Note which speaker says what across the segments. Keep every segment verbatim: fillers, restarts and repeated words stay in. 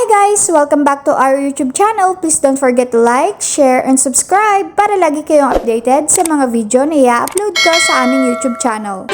Speaker 1: guys! Welcome back to our YouTube channel. Please don't forget to like, share, and subscribe para lagi kayong updated sa mga video na i-upload ko sa aming YouTube channel.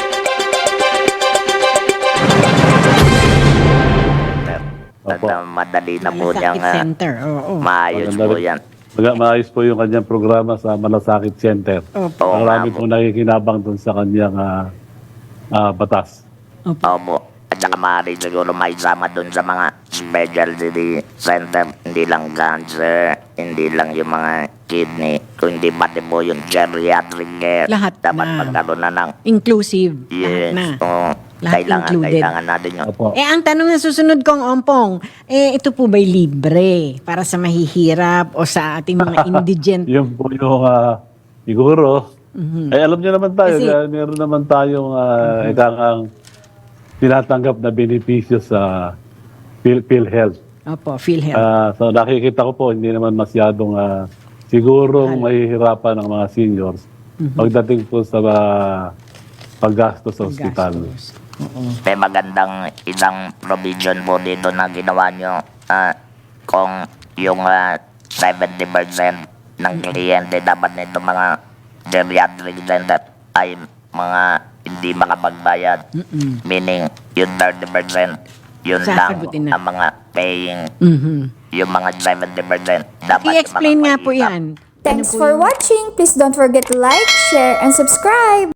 Speaker 2: Opo. Madali na po
Speaker 3: Malasakit
Speaker 2: niyang uh,
Speaker 3: Center. Oo.
Speaker 2: maayos
Speaker 4: Maganda
Speaker 2: po
Speaker 4: rin.
Speaker 2: yan.
Speaker 4: Maga- Maayos po yung kanyang programa sa Malasakit Center.
Speaker 3: Opo.
Speaker 2: Oo nga
Speaker 4: Marami
Speaker 2: po.
Speaker 4: po nakikinabang dun sa kanyang ah, ah, batas.
Speaker 2: Opo. At saka maaari siguro may sama dun sa mga specialty center. Hindi lang cancer, hindi lang yung mga kidney, kundi pati po yung geriatric care.
Speaker 3: Lahat
Speaker 2: Dapat
Speaker 3: na.
Speaker 2: magkaroon na ng
Speaker 3: Inclusive.
Speaker 2: yes.
Speaker 3: Lahat na.
Speaker 2: Oo.
Speaker 3: Lahat
Speaker 2: Kailangan,
Speaker 3: included.
Speaker 2: kailangan natin yung
Speaker 4: Opo.
Speaker 3: Eh, ang tanong na susunod kong Ompong, eh, ito po ba'y libre para sa mahihirap o sa ating mga indigent?
Speaker 4: Yun po yung ah, siguro. Eh, alam niyo naman tayo,
Speaker 3: Kasi-
Speaker 4: ah, meron naman tayong uh, ikakang tinatanggap na benepisyo sa Phil PhilHealth.
Speaker 3: Opo, PhilHealth.
Speaker 4: Ah, so nakikita ko po, hindi naman masyadong ah, sigurong mahihirapan ng mga seniors pagdating po sa ah, paggastos sa ospital.
Speaker 3: Gastos. Oo.
Speaker 2: may magandang isang provision po dito na ginawa nyo ah, kung yung ah, seventy percent ng kliyente dapat nito mga geriatric center ay mga hindi makapagbayad.
Speaker 3: Mm-mm.
Speaker 2: Meaning, yung thirty percent, yun lang
Speaker 3: Sasagutin na.
Speaker 2: ang mga paying,
Speaker 3: Mhm.
Speaker 2: yung mga seventy percent. Dapat
Speaker 3: I-explain
Speaker 2: yung mga
Speaker 3: nga po
Speaker 2: mahihirap.
Speaker 3: yan.
Speaker 1: Thanks
Speaker 3: Ano po
Speaker 1: for
Speaker 3: yung-
Speaker 1: watching. Please don't forget to like, share, and subscribe.